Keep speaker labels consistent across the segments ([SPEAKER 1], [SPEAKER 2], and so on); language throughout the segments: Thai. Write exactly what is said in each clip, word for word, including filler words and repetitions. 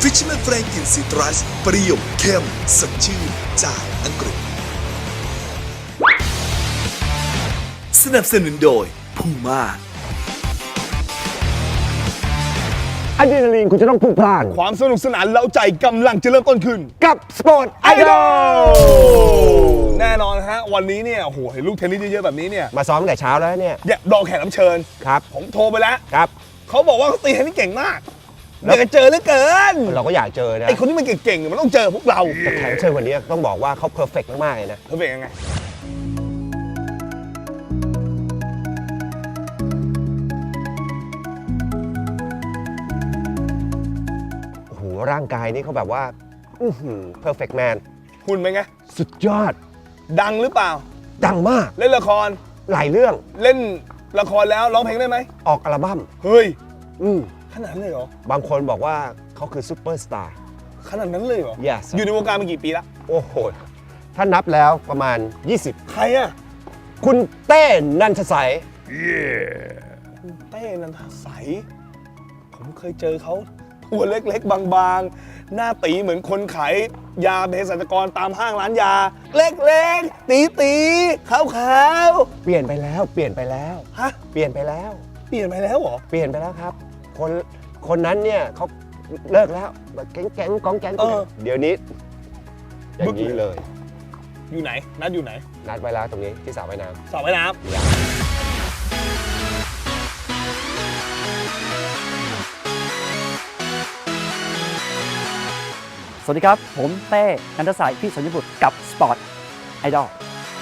[SPEAKER 1] Fisherman Frank กลิ่นซิตรัสเปรี้ยวเข้มสดชื่นจากอังกฤษสนับสนุนโดยพูม่า
[SPEAKER 2] อะดรีนาลีนคุณจะต้องพลุกพล่าน
[SPEAKER 3] ความสนุกสนานเล้าใจกำลังจะเริ่มต้นขึ้น
[SPEAKER 2] กับสปอร์ตไอดอล
[SPEAKER 3] แน่นอนฮะวันนี้เนี่ยโอ้โหเห็นลูกเทนนิสเยอะๆแบบนี้เนี่ย
[SPEAKER 2] มาซ้อมตั้งแต่เช้าแล้วเนี่ย
[SPEAKER 3] เนี่ยรอแขกรับเชิญ
[SPEAKER 2] ครับ
[SPEAKER 3] ผมโทรไปแล้ว
[SPEAKER 2] ครับ
[SPEAKER 3] เขาบอกว่าเขาตีเทนนิสเก่งมากอยากจะเจอเหลือเกิน
[SPEAKER 2] เราก็อยากเจอนะ
[SPEAKER 3] ไอคนที่มันเก่งๆมันต้องเจอพวกเรา
[SPEAKER 2] แต่แขกรับเชิญวันนี้ต้องบอกว่าเขาเพอร์เฟกต์มากๆเลยนะ
[SPEAKER 3] เขาเป็นยังไง
[SPEAKER 2] ร่างกายนี่เขาแบบว่าอือหือ perfect man
[SPEAKER 3] หุ่นเป็นไง
[SPEAKER 2] สุดยอด
[SPEAKER 3] ดังหรือเปล่า
[SPEAKER 2] ดังมาก
[SPEAKER 3] เล่นละคร
[SPEAKER 2] หลายเรื่อง
[SPEAKER 3] เล่นละครแล้วร้องเพลงได้ไหม
[SPEAKER 2] ออกอัลบั้ม
[SPEAKER 3] เฮ้ย
[SPEAKER 2] อืม
[SPEAKER 3] ขนาดนั้นเลยเหรอบ
[SPEAKER 2] างคนบอกว่าเขาคือซูเปอร์สตาร์
[SPEAKER 3] ขนาดนั้นเลยเหรอ
[SPEAKER 2] yes
[SPEAKER 3] อยู่ในวงการมากี่ปีละ
[SPEAKER 2] โอ้โหถ้านับแล้วประมาณยี่สิบ
[SPEAKER 3] ใครอ่ะ
[SPEAKER 2] คุณเต้นันทสัย
[SPEAKER 3] คุณเต้นันทสัยผมเคยเจอเขาตัวเล็กๆบางๆหน้าตีเหมือนคนขายยาเภสัชกรตามห้างร้านยาเล็กๆตีๆขาว
[SPEAKER 2] ๆเปลี่ยนไปแล้วเปลี่ยนไปแล้ว
[SPEAKER 3] ฮะ
[SPEAKER 2] เปลี่ยนไปแล้ว
[SPEAKER 3] เปลี่ยนไปแล้วเหรอ
[SPEAKER 2] เปลี่ยนไปแล้วครับคนคนนั้นเนี่ยเขาเลิกแล้วแบบแก๊งๆกองแก๊งเดี๋ยวนี้อย่างนี้เลย
[SPEAKER 3] อยู่ไหนนัดอยู่ไหน
[SPEAKER 2] นัดไว้แล้วตรงนี้ที่สระว่ายน้
[SPEAKER 3] ำสระว่ายน้ำ
[SPEAKER 4] สวัสดีครับผมเต้นันทสัยพี่สัญญบุตรกับสปอร์ตไอดอล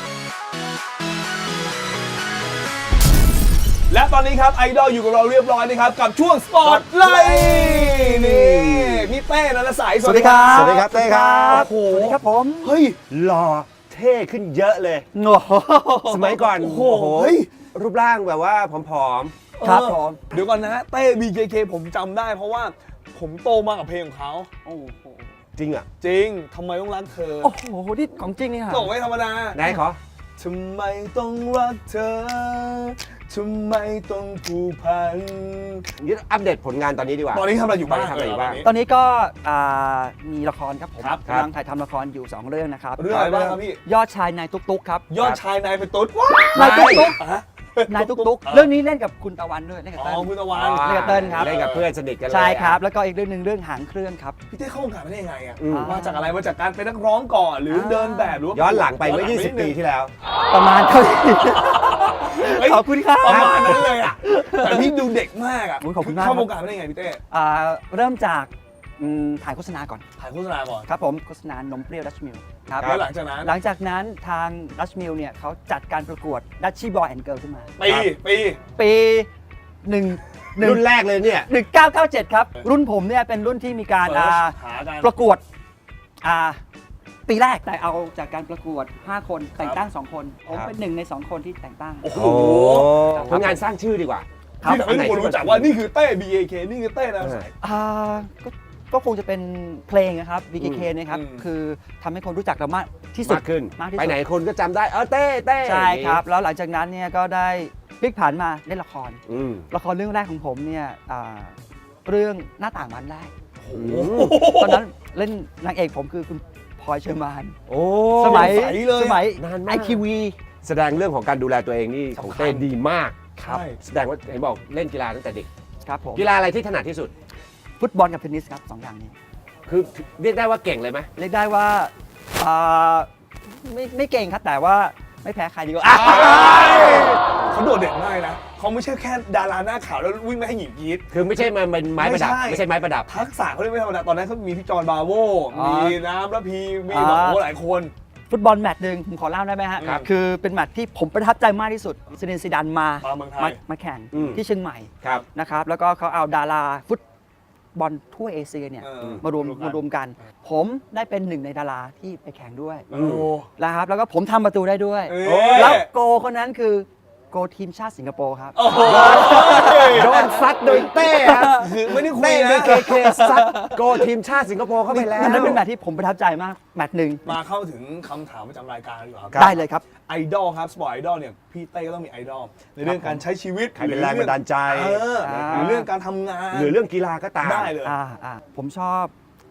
[SPEAKER 3] และตอนนี้ครับไอดอลอยู่กับเราเรียบร้อยนะครับกับช่วงสปอร์ตไลท์นี่พี่เต้นันทสัย
[SPEAKER 4] สวัสดีครับ
[SPEAKER 2] สวัสดีครับเต้ครับ
[SPEAKER 3] โอ้โห
[SPEAKER 4] สวัสดีครับผม
[SPEAKER 3] เฮ้ย
[SPEAKER 2] หล่อเท่ขึ้นเยอะเลยสมัยก่อนโอ้โหรูปร่างแบบว่าผอม
[SPEAKER 4] ๆครับผม
[SPEAKER 3] เดี๋ยวก่อนนะเต้ บี เค เค ผมจำได้เพราะว่าผมโตมากับเพลงของเขา
[SPEAKER 4] โอ้โห
[SPEAKER 2] จริงอ่ะ
[SPEAKER 3] จริงทำไมต้องรักเธอ
[SPEAKER 4] โอ้โหนี่ของจริงนี่ฮะ
[SPEAKER 3] บอกไม่ธรรมดา
[SPEAKER 2] ไหนขอ
[SPEAKER 3] ทำไมต้องรักเธอทำไมต้องผูกพัน
[SPEAKER 2] นี่อัปเดตผลงานตอนนี้ดีกว่า
[SPEAKER 3] ตอนนี้ทำอะไรอยู่บ้าง
[SPEAKER 2] ทำอะไรอยู่บ้าง
[SPEAKER 4] ตอนนี้ก็มีละครครับผมกำลังถ่ายทำละครอยู่สองเรื่องนะครับ
[SPEAKER 3] เรื่องอะไรบ้างครับพี่
[SPEAKER 4] ยอดชายนายตุ๊กๆครับ
[SPEAKER 3] ยอดชายนายเป็นตุ๊ด
[SPEAKER 4] นายตุ๊กนายตุ๊กๆเรื่องนี้เล่นกับคุณตะวันด้วยเล่นกับเติ้ล
[SPEAKER 3] คุณตะวัน
[SPEAKER 4] เล่นกับเติ้ลครับ
[SPEAKER 2] เล่นกับเพื่อนสนิทกันเลย
[SPEAKER 4] ใช่ครับแล้วก็อีกเรื่องหนึ่งเรื่องหางเครื่องครับ
[SPEAKER 3] พี่เต้เข้าวงการมาได้ยังไงอ่ะมาจากอะไรมาจากการเป็นนักร้องก่อนหรือเดินแบบหรือ
[SPEAKER 2] ย้อนหลังไปเมื่อยี่สิบปีที่แล้ว
[SPEAKER 4] ประมาณเท่านี้ขอบคุณครับ
[SPEAKER 3] ประมาณนั้นเลยอ่ะแต่พี่ดูเด็กมากอ่ะ
[SPEAKER 4] ขอบคุณมาก
[SPEAKER 3] เข้าวงการมาได้ยังไงพี่เต้
[SPEAKER 4] เริ่มจากถ่ายโฆษณาก่อน
[SPEAKER 3] ถ่ายโฆษณาก่อน
[SPEAKER 4] ครับผมโฆษณานมเปรี้ยวดัชมิล
[SPEAKER 3] ครับแล้วหลังจากนั้น
[SPEAKER 4] หลังจากนั้นทางดัชมิลเนี่ยเขาจัดการประกวดดัชชี่บอยแอนด์เกิร์ลขึ้นมา
[SPEAKER 3] ปีปี
[SPEAKER 4] ปีหนึ่ง
[SPEAKER 2] รุ่นแรกเลยเนี่ย
[SPEAKER 4] หนึ่งเก้าเก้าเจ็ดครับรุ่นผมเนี่ยเป็นรุ่นที่มีการประกวดปีแรกแต่เอาจากการประกวดห้าคนแต่งตั้งสองคนผมเป็นหนึ่งในสองคนที่แต่งตั้ง
[SPEAKER 3] โอ้โห
[SPEAKER 2] ผลงานสร้างชื่อดีกว่า
[SPEAKER 3] ที่ทำให้คนรู้จักว่านี่คือเต้ บี เค เค นี่คือเต้นะ
[SPEAKER 4] ก็คงจะเป็นเพลงนะครับ บี เค เค นะครับคือทำให้คนรู้จักเรามากที่สุด
[SPEAKER 2] ขึ้นไปไหนคนก็จำได้เออเต้เต้
[SPEAKER 4] ใช่ครับแล้วหลังจากนั้นเนี่ยก็ได้พลิกผันมาเล่นละครละครเรื่องแรกของผมเนี่ยเรื่องหน้าต่างบานแรกตอนนั้นเล่นนางเอกผมคือคุณพลอยเชอร์มานสมัยสมัยไอคิววี
[SPEAKER 2] แสดงเรื่องของการดูแลตัวเองนี่ของเต้ดีมาก
[SPEAKER 3] ครับ
[SPEAKER 2] แสดงว่าเห็นบอกเล่นกีฬาตั้งแต่เด็ก
[SPEAKER 4] ครับผม
[SPEAKER 2] กีฬาอะไรที่ถนัดที่สุด
[SPEAKER 4] ฟุตบอลกับเทนนิสครับสองอย่างนี้
[SPEAKER 2] คือเรียกได้ว่าเก่งเลยไหม
[SPEAKER 4] เรียกได้ว่าไม่ไม่เก่งครับแต่ว่าไม่แพ้ใครดีกว่า
[SPEAKER 3] เขาโดดเด่นมากนะเขาไม่ใช่แค่ดาราหน้าขาวแล้ววิ่งไม่ให้หญิงกรี๊ด
[SPEAKER 2] คือไม่ใช่มันเป็นไม้ประดับไม่ใช่ไม้ประดับ
[SPEAKER 3] ทักษะเขาเรียกไม่ธรรมดาตอนนั้นเขามีพี่จอห์นบาโวมีน้ำระพีมีแบบโอ้หลายคน
[SPEAKER 4] ฟุตบอลแมตช์หนึ่งผมขอเล่าได้ไหมฮะคือเป็นแมตช์ที่ผมประทับใจมากที่สุดซินเดนซีดานมามาแข่งที่เชียงใหม่นะครับแล้วก็เขาเอาดาราฟุตบอลทั่วเอเชียเนี่ยมารวมมารวมกันผมได้เป็นหนึ่งในดาราที่ไปแข่งด้วยนะครับแล้วก็ผมทำประตูได้ด้วยแล้วโกคนนั้นคือโกทีมชาติสิงคโปร์ครับ
[SPEAKER 2] โดนซัดโดยเต้ครับ
[SPEAKER 3] คือไม่ได้คุย
[SPEAKER 2] นะเคเคซัดโกทีมชาติสิงคโปร์เข้าไปแล้ว
[SPEAKER 4] นั่นเป็นแมตช์ที่ผมประทับใจมากแมตช์หนึ่ง
[SPEAKER 3] มาเข้าถึงคำถามประจำรายการดีกว่า
[SPEAKER 4] ได้เลยครับ
[SPEAKER 3] ไอดอลครับสปอร์ตไอดอลเนี่ยพี่เต้ก็ต้องมีไอดอลในเรื่องการใช้ชีวิต
[SPEAKER 2] ใครเป็นแรงบันดาลใจ
[SPEAKER 3] หรือเรื่องการทำงาน
[SPEAKER 2] หรือเรื่องกีฬาก็ตาม
[SPEAKER 3] ได้เลย
[SPEAKER 4] ผมชอบ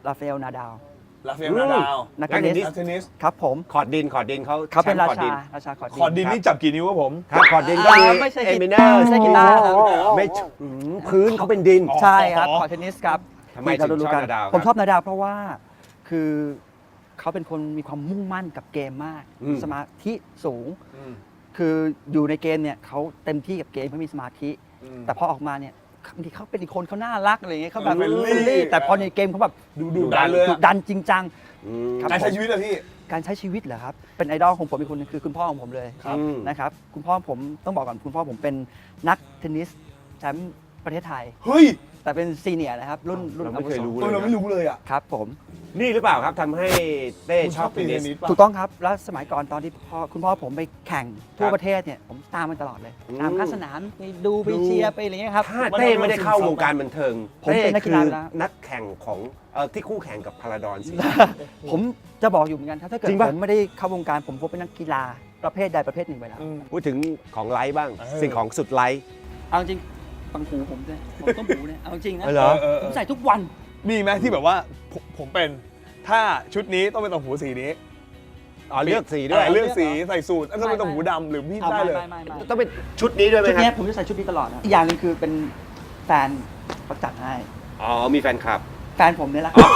[SPEAKER 4] ราฟาเอล นาดาล
[SPEAKER 3] ลาเฟลนาดาว
[SPEAKER 4] นัก
[SPEAKER 2] นักเทนนิส
[SPEAKER 3] นักเทนนิส
[SPEAKER 4] ครับผม
[SPEAKER 2] คอร์ดดินคอร์ดดินเขา
[SPEAKER 4] เขาเป็นรา
[SPEAKER 2] แชมป์คอร์ดดิ
[SPEAKER 4] ชาน ราชาคอร์ดดิน
[SPEAKER 3] คอร์ดดินนี่จับกี่นิ้วครับผม
[SPEAKER 2] ครับคอร์ดดินก็มี
[SPEAKER 4] อ่าไม่ใช่
[SPEAKER 2] เอ
[SPEAKER 4] กี
[SPEAKER 2] มิเน
[SPEAKER 4] ตา
[SPEAKER 2] อ
[SPEAKER 4] ร์
[SPEAKER 2] ร์
[SPEAKER 4] ไม่ใช่กีตาร์ครับ
[SPEAKER 2] ไม่อืมพื้นเขาเป็นดิน
[SPEAKER 3] อ๋อ
[SPEAKER 4] ใช่ครับคอร์ดเทนนิสครับ
[SPEAKER 2] ทำไมถึงชอบนาดาวครับ
[SPEAKER 4] ผมชอบนาดาวเพราะว่าคือเขาเป็นคนมีความมุ่งมั่นกับเกมมาก
[SPEAKER 2] อืม
[SPEAKER 4] สมาธิสูง คืออยู่ในเกมเนี่ยเขาเต็มที่กับเกมเขามีสมาธิ แต่พอออกมาเนี่ยบางทีเขาเป็นอีกคนเขาน่ารักอะไรอย่างเงี้ยเขาแบบ
[SPEAKER 3] เฟรนลี่
[SPEAKER 4] เฟรนลี่แต่พอในเกมเขาแบบ
[SPEAKER 3] ดูดูดันเลย
[SPEAKER 4] ดุ
[SPEAKER 3] อะ
[SPEAKER 4] ดันจริงจัง
[SPEAKER 2] อืม
[SPEAKER 4] ครับ
[SPEAKER 3] การใช้ชีวิตอะพี่
[SPEAKER 4] การใช้ชีวิตเหรอครับ เป็นไอดอลของผมอีกคนนึงคือคุณพ่อของผมเลย
[SPEAKER 3] ครับ
[SPEAKER 2] อืม
[SPEAKER 4] นะครับ คุณพ่อผมต้องบอกก่อนคุณพ่อผมเป็นนักเทนนิสแชมป์ประเทศไทย
[SPEAKER 3] เฮ้ย
[SPEAKER 4] แต่เป็นซีเนียร์นะครับ รุ่นรุ่น
[SPEAKER 2] เราไม่เคยรู้
[SPEAKER 3] เออเราไม่รู้เลยอะ
[SPEAKER 4] ครับผม
[SPEAKER 2] นี่หรือเปล่าครับทำให้เต้
[SPEAKER 3] คุณ
[SPEAKER 2] ชอบเทนนิส
[SPEAKER 3] ป่ะ
[SPEAKER 4] ถูกต้องครับ แล้วสมัยก่อนตอนที่พ่อคุณพ่อผมไปแข่งทั่วประเทศเนี่ยผมตามมันตลอดเลย
[SPEAKER 2] อืม
[SPEAKER 4] ตามข้างสนามไปดูไปเชียร์ไปอะไรเงี้ยครับ
[SPEAKER 2] ถ้าเต้ไม่ได้เข้าวงการบันเทิง
[SPEAKER 4] ผมเป็นนักกีฬา
[SPEAKER 2] ต้
[SPEAKER 4] ไปแล้ว
[SPEAKER 2] นักแข่งของเอ่อที่คู่แข่งกับพาราดอนสิ
[SPEAKER 4] ผมจะบอกอยู่เหมือนกันถ้าเกิด
[SPEAKER 2] จริงปะ
[SPEAKER 4] ผมไม่ได้เข้าวงการผมคงเป็นนักกีฬาประเภทใดประเภทหนึ่งไปแล้ว
[SPEAKER 3] อืม
[SPEAKER 2] พูดถึงของไลท์บ้าง
[SPEAKER 3] เออ
[SPEAKER 2] สิ่งของสุดไลท์
[SPEAKER 4] เอาจริงปังหูผมเนี่ยผมต้มหูเนี่ยเอาจริงนะ
[SPEAKER 2] เออเหรอ
[SPEAKER 3] เออ
[SPEAKER 4] ผมใส่ทุกวัน
[SPEAKER 3] มีไหมที่แบบว่าผมผมเป็นถ้าชุดนี้ต้องเป็นต่างหูสีนี้
[SPEAKER 2] อ๋อเลือกสีด้วย
[SPEAKER 3] เออเลือกสีใส่สูทแล้วต้องเป็นต่างหูดำหรือพี่
[SPEAKER 4] เอา
[SPEAKER 3] ได้
[SPEAKER 4] ไม่
[SPEAKER 3] เลย
[SPEAKER 4] ไม่ไม่ไม่
[SPEAKER 2] ต้องเป็นชุดนี้ด้วยไหม
[SPEAKER 4] ชุด
[SPEAKER 2] ค
[SPEAKER 4] เนี้
[SPEAKER 2] รั
[SPEAKER 4] ย
[SPEAKER 2] บ
[SPEAKER 4] ผมจะใส่ชุดนี้ตลอดนะอีกอย่างหนึงคือเป็นแฟนเขาจัดให้
[SPEAKER 2] อ๋อมีแฟนคลับ
[SPEAKER 4] แฟนผมเนี่ยแหละครับ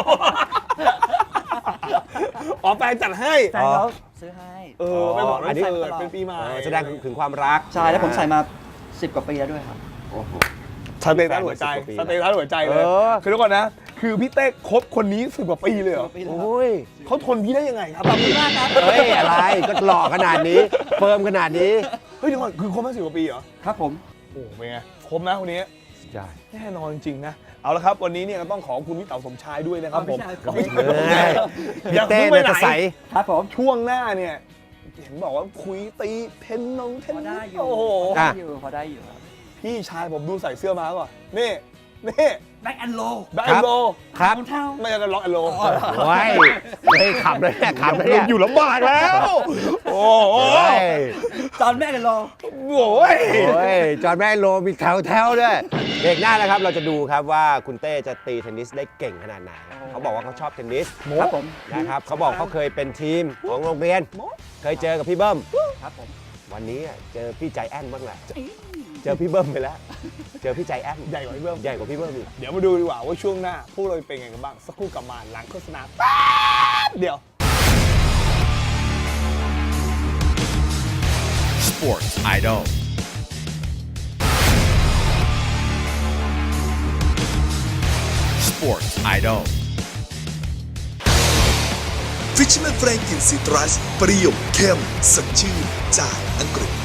[SPEAKER 3] อ๋อแฟนจัดให้
[SPEAKER 4] แฟนเขาซื้อให้
[SPEAKER 3] เออไปบอก
[SPEAKER 2] อั
[SPEAKER 3] วัน
[SPEAKER 2] นนี้
[SPEAKER 3] เกิดเป็นปีใหม่
[SPEAKER 2] เออแสดงถึงความรัก
[SPEAKER 4] ใช่แล้วผมใส่มาสิบกว่าปีแล้วด้วยครับ
[SPEAKER 2] โอ้โห
[SPEAKER 3] สเตตัสหัวใจ
[SPEAKER 2] สิบกว่าปี
[SPEAKER 3] สเตตัสหัวใจเลย
[SPEAKER 2] เออ
[SPEAKER 3] คือทุกคนนะ คือพี่เต้คบคนนี้สิบกว่าปีเลยเหรอ
[SPEAKER 4] ปีแล้วครับ
[SPEAKER 2] โอ้ย
[SPEAKER 3] เขาทนพี่ได้ยังไงครับ
[SPEAKER 4] ขอบคุณมากครับ
[SPEAKER 2] เฮ้ยอะไรก็หล่อขนาดนี้เฟิร์มขนาดนี้
[SPEAKER 3] เฮ้ยเดี๋ยวก่อนคือคบมาสิบกว่าปีเหรอ
[SPEAKER 4] ครับผม
[SPEAKER 3] โอ้โหเป็นไงคบนะคนนี้
[SPEAKER 2] ใช่
[SPEAKER 3] แน่นอนจริงๆนะ เอาละครับ วันนี้เนี่ยก็ต้องขอบคุณพี่เต๋าสมชายด้วยนะครับผม
[SPEAKER 4] ขอบคุณ
[SPEAKER 2] เฮ้ย
[SPEAKER 3] อ
[SPEAKER 2] พี่
[SPEAKER 3] ย่า
[SPEAKER 2] เต้
[SPEAKER 3] เพิ่งไป
[SPEAKER 2] เนี่ย
[SPEAKER 3] ไหน
[SPEAKER 2] จะใส
[SPEAKER 4] ครับผม
[SPEAKER 3] ช่วงหน้าเนี่ย เห็นบอกว่าคุยตีเทนนงเทน
[SPEAKER 4] พอ
[SPEAKER 3] นิ
[SPEAKER 4] ได้
[SPEAKER 3] ส
[SPEAKER 4] อยู่
[SPEAKER 3] โอ้โห
[SPEAKER 4] พอได้อยู่พอได้อยู่ครับ
[SPEAKER 3] พี่ชายผมดูใส่เสื้อมาก่อนนี่นี่
[SPEAKER 4] แบ็กแอนโล
[SPEAKER 3] แบ็คแอนโล
[SPEAKER 2] ครับ
[SPEAKER 4] เท้า
[SPEAKER 3] ไม่ใช่ล็อกแอนโล
[SPEAKER 2] โอ้ยเฮ้ยขับเลยเนี่ยขับเลยเนี่ย
[SPEAKER 3] อยู่ลำบากแล้ว โอ้โห
[SPEAKER 2] โอ้ย
[SPEAKER 4] จอห์นแบ็กแอนโล
[SPEAKER 3] โอ้ย
[SPEAKER 2] โอ้ยจอห์นแมนโลมีแถวแถวๆด้วยเบรกหน้านะครับเราจะดูครับว่าคุณเต้จะตีเทนนิสได้เก่งขนาดไหนเขาบอกว่าเขาชอบเทนนิส
[SPEAKER 4] ครับผม
[SPEAKER 2] นะครับเขาบอกเขาเคยเป็นทีมของโรงเรียน เคยเจอกับพี่เบิ้ม
[SPEAKER 4] ครับผม
[SPEAKER 2] วันนี้อ่ะเจอพี่ใจแอนบ้างแหละเจอพี่เบิ้มไปแล้ว เจอพี่ใจแอน
[SPEAKER 3] ใหญ่กว่าพี่เบิ้ม
[SPEAKER 2] ใหญ่กว่าพี่เบิ้มอีก
[SPEAKER 3] เดี๋ยวมาดูดีกว่าว่าช่วงหน้า พวกเราเป็นไงกันบ้าง สักครู่กลับมาหลังโฆษณาแป๊บเดียว
[SPEAKER 1] Sports Idol Sports Idol Fisherman Franklin Citrus เปรี้ยวเข้มสดชื่นจากอังกฤษ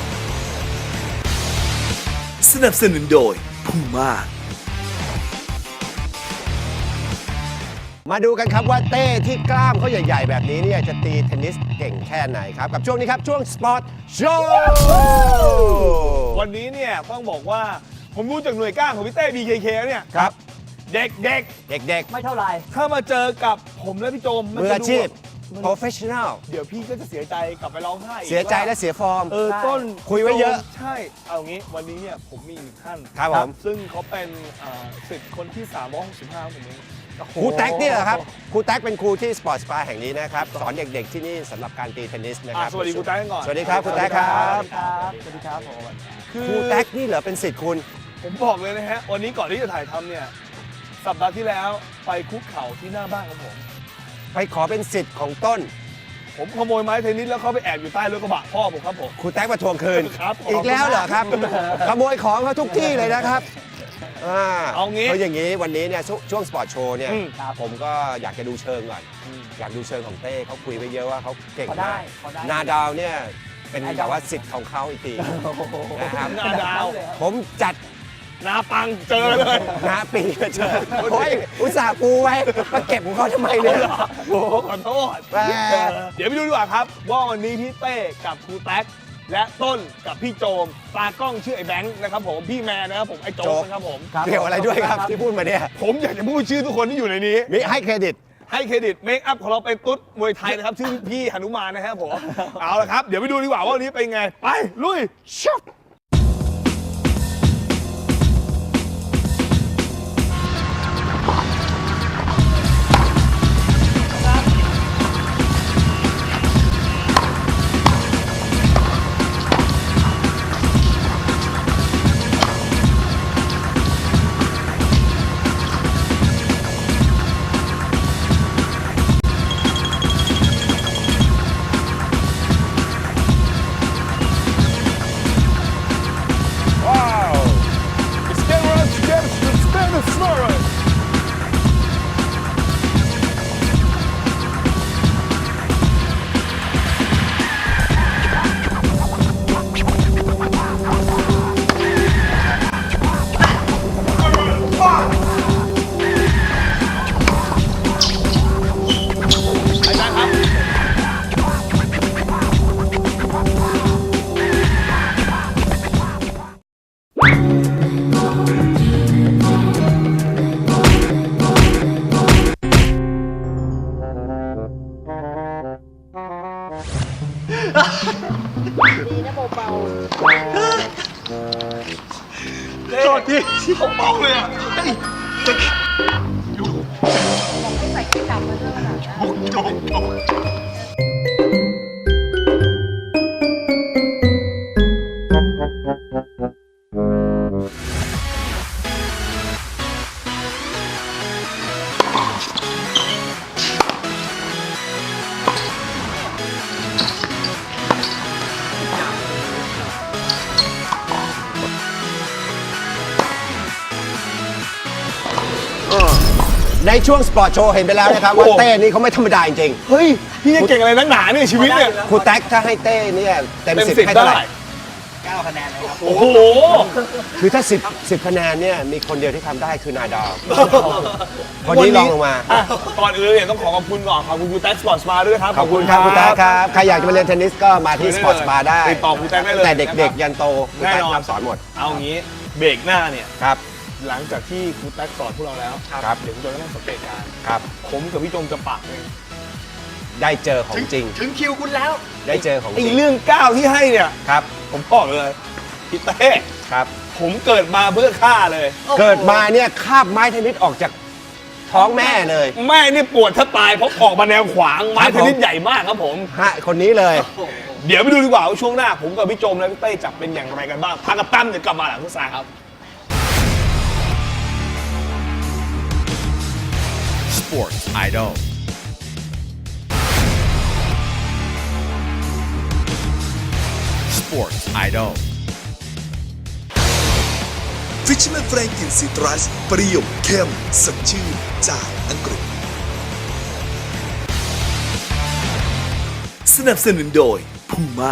[SPEAKER 1] สนับสนุนโดย Puma
[SPEAKER 2] มาดูกันครับว่าเต้ที่กล้ามเขาใหญ่ๆ แบบนี้เนี่ยจะตีเทนนิสเก่งแค่ไหนครับ กับช่วงนี้ครับ ช่วง Sport Show
[SPEAKER 3] วันนี้เนี่ยต้องบอกว่าผมรู้จากหน่วยก้านของพี่เต้ บี เค เค แล้วเนี่ย
[SPEAKER 2] ครับ
[SPEAKER 3] เด็ก
[SPEAKER 2] เด็ก
[SPEAKER 4] ไม่เท่าไหร่
[SPEAKER 3] ๆ ถ้ามาเจอกับผมและพี่โจม
[SPEAKER 2] ๆ
[SPEAKER 3] มัน
[SPEAKER 2] มือ
[SPEAKER 3] จะ
[SPEAKER 2] อา
[SPEAKER 3] ดู
[SPEAKER 2] ชีพ
[SPEAKER 3] แบบ
[SPEAKER 2] professional
[SPEAKER 3] เดี๋ยวพี่ก็จะเสียใจกลับไปร้องไห้อีก
[SPEAKER 2] เสียใจ
[SPEAKER 3] ว่า
[SPEAKER 2] และเสียฟอร์ม
[SPEAKER 3] เออ
[SPEAKER 4] ใช่
[SPEAKER 3] ต้น
[SPEAKER 2] คุยไว้เยอะ
[SPEAKER 3] ใช่เอางี้วันนี้เนี่ยผมมีอีกท่าน
[SPEAKER 2] ครับผม
[SPEAKER 3] ซึ่งเขาเป็นเอ่อศิษย์คนที่สามร้อยหกสิบห้าของผมเอง
[SPEAKER 2] ครูแท็กนี่เหรอครับครูแท็กเป็นครูที่สปอร์ตสปาแห่งนี้นะครับสอนเด็กๆที่นี่สำหรับการตีเทนนิสนะค
[SPEAKER 3] อ่ะ
[SPEAKER 2] รับ
[SPEAKER 3] สวัสดีครูแท็กก่อน
[SPEAKER 2] สวัสดีครับครูแท็กครับ
[SPEAKER 4] ครับสวัสดีครับผม
[SPEAKER 3] คือ
[SPEAKER 2] ครูแท็กนี่เหรอเป็นศิษย์คุณ
[SPEAKER 3] ผมบอกเลยนะฮะวันนี้ก่อนที่จะถ่ายทำเนี่ยสัปดาห์ที่แล้วไปคุกเข่าที่หน้าบ้านของผม
[SPEAKER 2] ไปขอเป็นศิษย์ของต้น
[SPEAKER 3] ผมขโมยไม้เทนนิสแล้วเขาไปแอบอยู่ใต้รถกระบะพ่อผมครับผม
[SPEAKER 2] ครูแท็กมาทวงคืน
[SPEAKER 3] ครับ
[SPEAKER 2] อีกแล้วเหรอครับ ขโมยของเขาทุกที่เลยนะครับอ่า
[SPEAKER 3] เอางี้
[SPEAKER 2] เพราะอย่างนี้วันนี้เนี่ยช่วงช่วงสปอร์ตโชว์เนี่ย
[SPEAKER 3] อืม
[SPEAKER 2] ผมก็อยากจะดูเชิงก่อน อยากดูเชิงของเต้เขาคุยไปเยอะว่าเขาเก่ง
[SPEAKER 4] พอได้
[SPEAKER 2] มาก
[SPEAKER 4] พอได้
[SPEAKER 2] นาดาวเนี่ยเป็น
[SPEAKER 4] ไอดอล
[SPEAKER 2] แบบว่าศิษย์ของเขาอีกทีนะครับ
[SPEAKER 3] หน้าดาว
[SPEAKER 2] ผมจัด
[SPEAKER 3] นาปังเจอเลย
[SPEAKER 2] นาปีมาเจอโอ้ยอุตส่าห์ปูไว้มาเก็บของเขาทำไมเนี่ย
[SPEAKER 3] โอ้โหขอโทษ
[SPEAKER 2] แหม
[SPEAKER 3] เดี๋ยวไปดูดีกว่าครับ ว่าวันนี้พี่เต้กับครูแท็กและต้นกับพี่โจมตากล้องชื่อไอ้แบงค์นะครับผมพี่แมนนะครับผมไอ้โจมนะครับผม
[SPEAKER 2] เกี่ยวอะไรด้วยครับที่พูดมาเนี่ย
[SPEAKER 3] ผมอยากจะพูดชื่อทุกคนที่อยู่ในนี้
[SPEAKER 2] มีให้เครดิต
[SPEAKER 3] ให้เครดิตเมคอัพของเราเป็นตุ๊ดมวยไทยนะครับ ชื่อพี่หนุมานนะครับผม เอาละครับ เดี๋ยวไปดูดีกว่าว่าวันนี้เป็นไง ไป ลุยชับที่เขาเป้าเลยอ่ะ
[SPEAKER 5] ใส่กลับมาด้วยขนาดนั้น
[SPEAKER 2] ในช่วงสปอร์ตโชว์เห็นไปแล้วนะครับว่าเต้นี่เขาไม่ธรรมดาจริง
[SPEAKER 3] เฮ้ย พี่จะเก่งอะไรนักหนาเนี่ยชีวิตเนี่ย
[SPEAKER 2] ๆครูแท็กถ้าให้เต้เนี่ยเต็ม
[SPEAKER 3] เต็ม
[SPEAKER 2] สิบ
[SPEAKER 3] สิบ
[SPEAKER 2] ให้
[SPEAKER 3] ได้
[SPEAKER 2] เท่าไหร่
[SPEAKER 4] เก้าคะแนนเลยครับ
[SPEAKER 3] โอ้โห
[SPEAKER 2] คือถ้าสิบ สิบคะแนนเนี่ยมีคนเดียวที่ทำได้คือนายดาวคนนี้ลองลงมา
[SPEAKER 3] อ่ะก่อนอื่นเนี่ยต้องขอขอบคุณก่อนขอบคุณครูแท็กสปอร์ตสปาด้วยครับ
[SPEAKER 2] ขอบคุณครับครูแท็กครับใครอยากจะมาเรียนเทนนิสก็มาที่สปอร์ตสปาได้
[SPEAKER 3] ติดต่อครูแท็กได้เลย
[SPEAKER 2] แต่เด็กๆ ยันโตครู
[SPEAKER 3] แน่
[SPEAKER 2] แท็ก
[SPEAKER 3] นอน
[SPEAKER 2] รับสอนหมด
[SPEAKER 3] เอางี้เบรกหน้าเนี่ย
[SPEAKER 2] ครับ
[SPEAKER 3] หลังจากที่ครูแท็กสอนพวกเราแล้ว
[SPEAKER 2] ครับ
[SPEAKER 3] เดี๋ยวคุณโจก็ต้องสังเกตการณ์
[SPEAKER 2] ครับ
[SPEAKER 3] ผมกับพี่จงจะปากเลย
[SPEAKER 2] ได้เจอของจริง
[SPEAKER 4] ถึงคิวคุณแล้ว
[SPEAKER 2] ได้เจอของจ
[SPEAKER 3] ไอ้
[SPEAKER 2] ริง
[SPEAKER 3] เรื่องก้าวที่ให้เนี่ย
[SPEAKER 2] ครับ
[SPEAKER 3] ผมบอกเลยพี่เต้
[SPEAKER 2] ครับ
[SPEAKER 3] ผมเกิดมาเพื่อฆ่าเลย
[SPEAKER 2] เกิดมาเนี่ยคาบไม้เทนนิสออกจากท้องแม่เลย
[SPEAKER 3] แม่นี่ปวดถ้าตายเพราะออกมาแนวขวางไม้
[SPEAKER 2] ครับ
[SPEAKER 3] เท
[SPEAKER 2] ผม
[SPEAKER 3] นนิสใหญ่มากครับผม
[SPEAKER 2] ฮะคนนี้เลย
[SPEAKER 3] เดี๋ยวไปดูดีกว่าว่าช่วงหน้า ผมกับพี่โจมและพี่เต้จับเป็นอย่างไรกันบ้างพักกับตั้มเดี๋ยวกลับมาหลังโฆษณาครับ
[SPEAKER 6] Sports Idol Sports Idol
[SPEAKER 1] Fisherman Franklin Citrus เปรี้ยวเข้มสดชื่นจากอังกฤษ สนับสนุนโดย Puma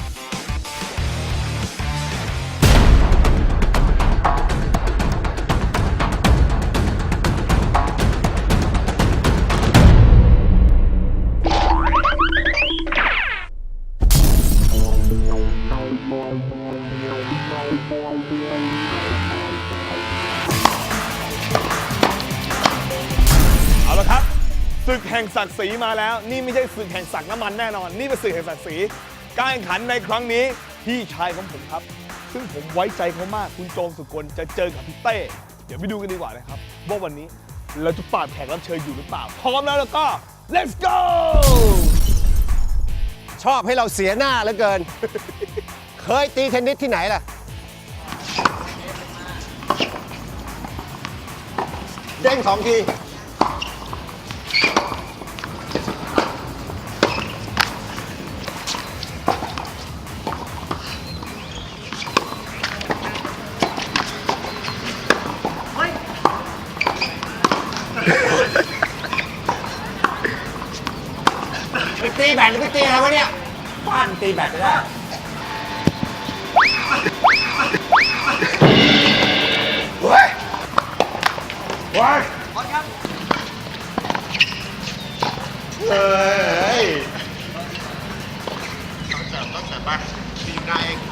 [SPEAKER 3] เอาละครับศึกแห่งศักดิ์ศรีมาแล้ว นี่ไม่ใช่ศึกแห่งศักดิ์น้ำมันแน่นอน นี่เป็นศึกแห่งศักดิ์ศรีการแข่งขันในครั้งนี้พี่ชายของผมครับ ซึ่งผมไว้ใจเขามากคุณโจมสุกลจะเจอกับพี่เต้เดี๋ยวไปดูกันดีกว่านะครับว่าวันนี้เราจะปราบแขกรับเชิญอยู่หรือเปล่าพร้อมแล้วแล้วก็ let's go
[SPEAKER 2] ชอบให้เราเสียหน้าเหลือเกิน เคยตีเทนนิสที่ไหนล่ะ เด้งสองที ไปตีแบตหรือไปตีอะไรวะเนี่ยบ้านตีแบตไม่ได้ เฮ้ยเฮ้ยพร้อมครับเฮ้ยต้องเสริมต้องเสริมป่ะตีอยู่หน้าเอง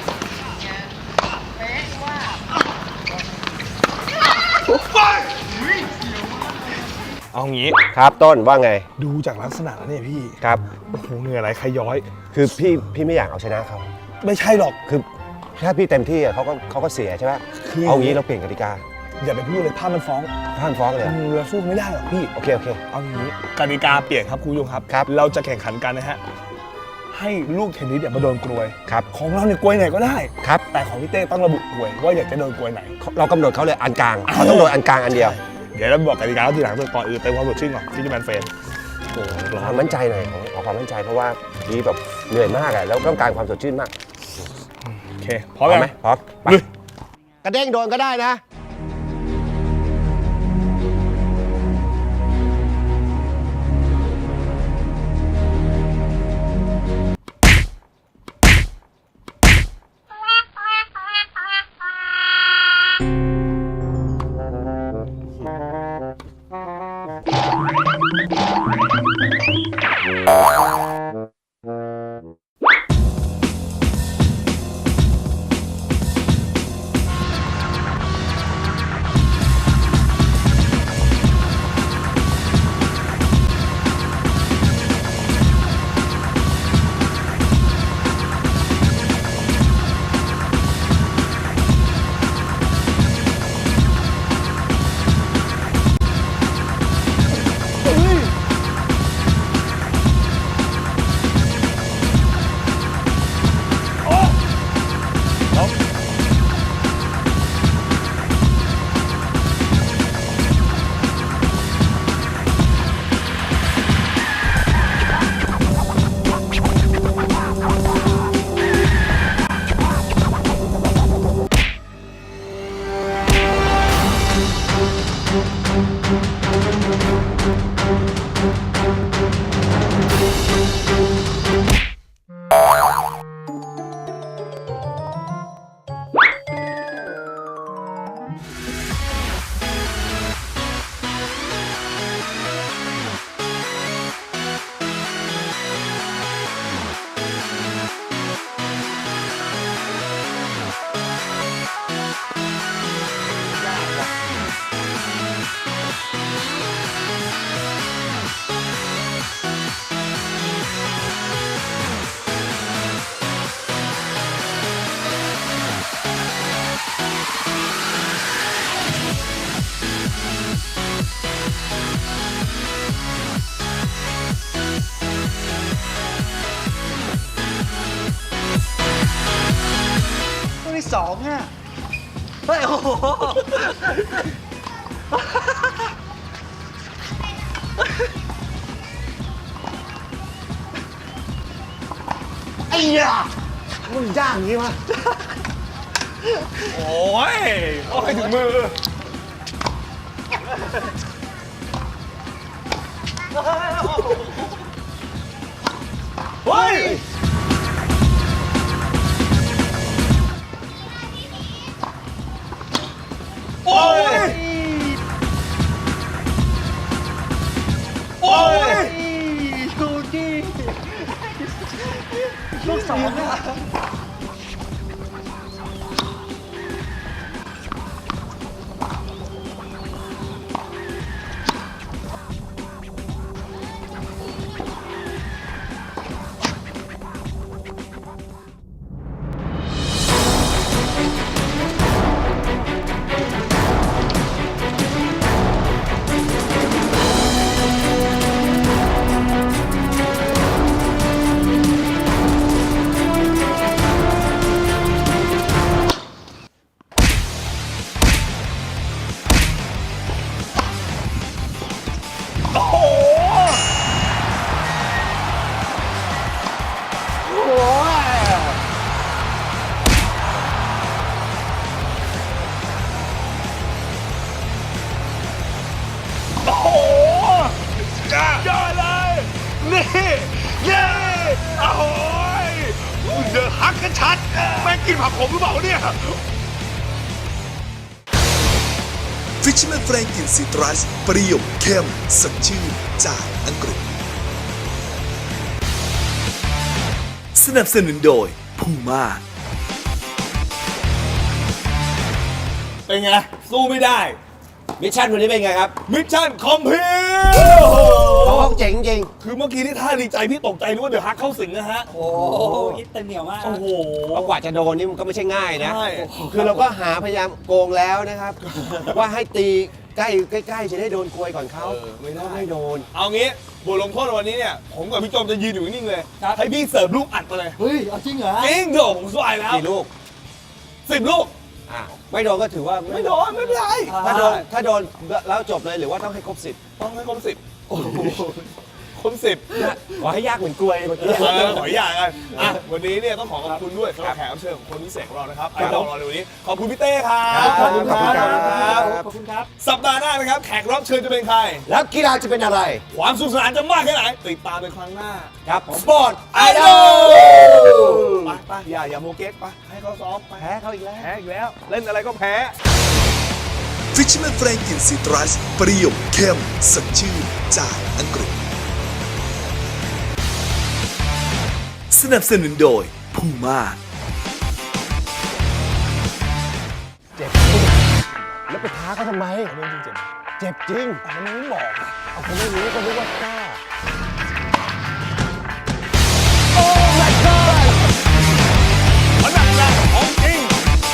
[SPEAKER 3] เอางี้
[SPEAKER 2] ครับต้นว่าไง
[SPEAKER 3] ดูจากลักษณะแล้วเนี่ยพี่
[SPEAKER 2] ครับ
[SPEAKER 3] โอ้โหเหนื่อยไหลใครย้อย
[SPEAKER 2] คือพี่พี่ไม่อยากเอาชนะเขา
[SPEAKER 3] ไม่ใช่หรอก
[SPEAKER 2] คือถ้าพี่เต็มที่อะเขาก็เขาก็เสียใช่ไหม
[SPEAKER 3] คือ
[SPEAKER 2] เอางี้เราเปลี่ยนกติกา
[SPEAKER 3] อย่าไปพูดเลยภาพมันฟ้อง
[SPEAKER 2] ท่านฟ้องเลยเหรอ
[SPEAKER 3] เราสู้ไม่ได้หรอกพี่
[SPEAKER 2] โอเคโอเค
[SPEAKER 3] เอางี้กติกาเปลี่ยนครับคุณผู้ชมครับ
[SPEAKER 2] ครับ
[SPEAKER 3] เราจะแข่งขันกันนะฮะ ให้ลูกเทนนิสเนี่ยมาโดนกลวย
[SPEAKER 2] ครับ
[SPEAKER 3] ของเราเนี่ยกลวยไหนก็ได้
[SPEAKER 2] ครับ
[SPEAKER 3] แต่ของพี่เต้ต้องระบุกลวยว่าอยากจะโดนกลวยไหน
[SPEAKER 2] เรากำหนดเขาเลยอันกลางเขาต้องโดนอันกลางอันเดียว
[SPEAKER 3] เดี๋ยวเราบอกกติกาทีหลังก่อนอื่นเติมความสดชื่นก่อนที่จะแมนเฟนโอ้โหร้อ
[SPEAKER 2] ควาน มมั่นใจหน่อยขอขอความมั่นใจเพราะว่าดีแบบเหนื่อยมากอะแล้วต้องการความสดชื่นมาก
[SPEAKER 3] โอเคพร้อมยัง
[SPEAKER 2] ไหมพร้อมไป
[SPEAKER 3] ลุย
[SPEAKER 2] กระเด้งโดนก็ได้นะ
[SPEAKER 4] ตัวที่สองอ่ะเฮ้ยโอ้โหไอ้ยา
[SPEAKER 2] มึงย่างอย่างนี้วะ
[SPEAKER 3] โอ้ยโอ้ยถึงมือ เฮ้ย โอ้ย โอ้ย
[SPEAKER 4] ดูดิลูกสองอ่ะ
[SPEAKER 3] โอ้โห โอ้โหยอดยอดเลย นี่ นี่ โอ้โหเดอะฮักกันชัด แม่งกินผักขมหรือเปล่าเนี่ย
[SPEAKER 1] Fisherman Franklin Citrus เปรี้ยวเข้มสดชื่นจากอังกฤษ สนับสนุนโดย Puma
[SPEAKER 3] เป็นไง สู้ไม่ได้
[SPEAKER 2] มิชชั่นวันนี้เป็นไงครับ
[SPEAKER 3] มิชชั่นคอมพลีท
[SPEAKER 2] เขาเจ๋งจริง
[SPEAKER 3] คือเมื่อกี้ที่ท่าดีใจพี่ตกใจนึกว่าเดอะฮักเข้าสิงนะฮะ
[SPEAKER 4] โอ้โหอิตเต็มเหนียวมาก
[SPEAKER 3] โอ้โห
[SPEAKER 2] เพราะกว่าจะโดนนี่มันก็ไม่ใช่ง่ายนะ
[SPEAKER 3] ใช่
[SPEAKER 2] คือเราก็หาพยายามโกงแล้วนะครับ ว่าให้ตีใกล้ใกล้ๆจะได้โดนกลวยก่อนเขา
[SPEAKER 3] เออไม่ได้
[SPEAKER 2] ก็ไม่โดน
[SPEAKER 3] เอางี้บทลงโทษในวันนี้เนี่ย ผมกับพี่โจมจะยืนอยู่นิ่งๆเลย
[SPEAKER 4] ครับ
[SPEAKER 3] ให้พี่เสิร์ฟลูกอัดไปเลย
[SPEAKER 4] เฮ้ย เอาจริงเหรอ
[SPEAKER 3] จริงเดี๋ยวผมสบายแล้ว
[SPEAKER 2] กี่ลูก
[SPEAKER 3] สิบลูก
[SPEAKER 2] อ่ะไม่โดนก็ถือว่า
[SPEAKER 3] ไม่โดน ไม่เป็นไร
[SPEAKER 2] ถ้าโดนถ้าโดนแล้วจบเลยหรือว่าต้องให้ครบสิบ
[SPEAKER 3] ต้องให้ครบสิบโอ้โหครบสิบ
[SPEAKER 2] ขอให้ยากเหมือนกลวยเมื่อกี้
[SPEAKER 3] เออขออย่างกันอ่ะวันนี้เนี่ยต้องขอขอบคุณด้วยสำหรับแขกรับเชิญของคนพิเศษของเรานะครับไอดอลเราในวันนี้ ขอบคุณพี่เต้ครับ
[SPEAKER 2] ขอบคุณครับ
[SPEAKER 4] ขอบคุณครับ
[SPEAKER 3] สัปดาห์หน้านะครับ แขกรับเชิญจะเป็นใคร
[SPEAKER 2] แล้วกีฬาจะเป็นอะไร
[SPEAKER 3] ความสนุกสนานจะมากแค่ไหน ติดตามในครั้งหน้า
[SPEAKER 2] ครับสปอร์ตไอดอล
[SPEAKER 3] ไปไปอย่าอย่าโมเก๊กไปให้เขาซ้อมไป
[SPEAKER 2] แพ้เขาอีกแล้ว
[SPEAKER 3] แพ้อีกแล้ว เล่นอะไรก็แพ้
[SPEAKER 1] Fisherman Franklin Citrus เปรี้ยวเข้มสดชื่นจากอังกฤษ สนับสนุนโดย Puma
[SPEAKER 2] เจ็บจริงแล้วไปท้าเขาทำไม
[SPEAKER 3] เรื่องจริงเจ็บ
[SPEAKER 2] เจ็บจริง
[SPEAKER 3] อันนี้ไม่บอกอะ
[SPEAKER 2] เอาคนไม่รู้ก็รู้ว่ากล้า
[SPEAKER 3] มันหนักหนักของจริง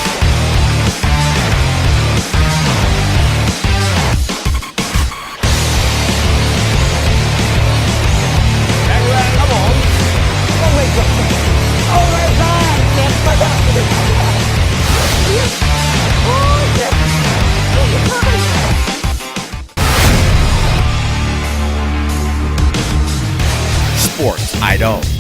[SPEAKER 3] แรงแรงครับผม
[SPEAKER 2] ก็ไม่จบเอาไม่ได้เจ็บไปแล้วโอ้ยเจ็บ
[SPEAKER 6] Sports Idol